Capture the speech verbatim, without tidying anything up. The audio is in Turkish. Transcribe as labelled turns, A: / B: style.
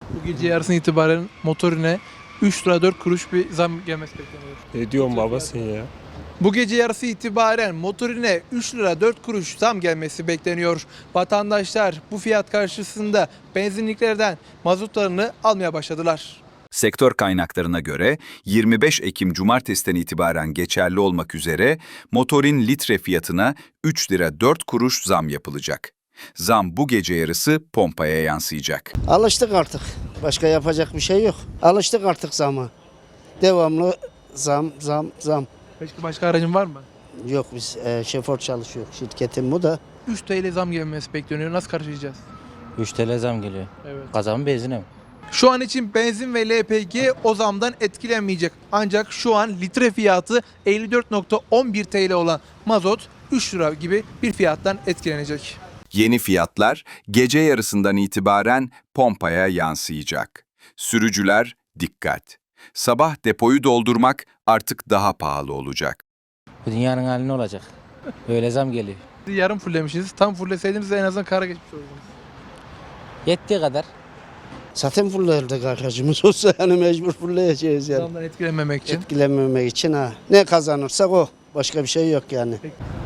A: Bu gece yarısına itibaren motorine üç lira dört kuruş bir zam gelmesi bekleniyor.
B: Ne diyorsun baba sen ya?
A: Bu gece yarısı itibaren motorine üç lira dört kuruş zam gelmesi bekleniyor. Vatandaşlar bu fiyat karşısında benzinliklerden mazotlarını almaya başladılar.
C: Sektör kaynaklarına göre yirmi beş Ekim Cumartesi'den itibaren geçerli olmak üzere motorin litre fiyatına üç lira dört kuruş zam yapılacak. Zam bu gece yarısı pompaya yansıyacak.
D: Alıştık artık. Başka yapacak bir şey yok. Alıştık artık zama. Devamlı zam, zam, zam.
A: Peki başka aracın var mı?
D: Yok biz e, şoför çalışıyor. Şirketim bu da.
A: üç TL zam gelmesi bekleniyor. Nasıl karşılayacağız?
E: üç TL zam geliyor.
A: Evet.
E: Gazamın benzine mi?
A: Şu an için benzin ve L P G o zamdan etkilenmeyecek. Ancak şu an litre fiyatı elli dört nokta on bir T L olan mazot üç lira gibi bir fiyattan etkilenecek.
C: Yeni fiyatlar gece yarısından itibaren pompaya yansıyacak. Sürücüler dikkat. Sabah depoyu doldurmak artık daha pahalı olacak.
E: Bu dünyanın hali ne olacak? Öyle zam geliyor.
A: Yarım fullemişiz. Tam fulleseydiniz en azından kara geçmiş olurdunuz.
E: Yettiği kadar.
D: Zaten fullerdik aracımız olsa yani mecbur fulleyeceğiz yani.
A: Zamdan etkilenmemek için.
D: Etkilenmemek için ha. Ne kazanırsak o. Başka bir şey yok yani.
A: Peki.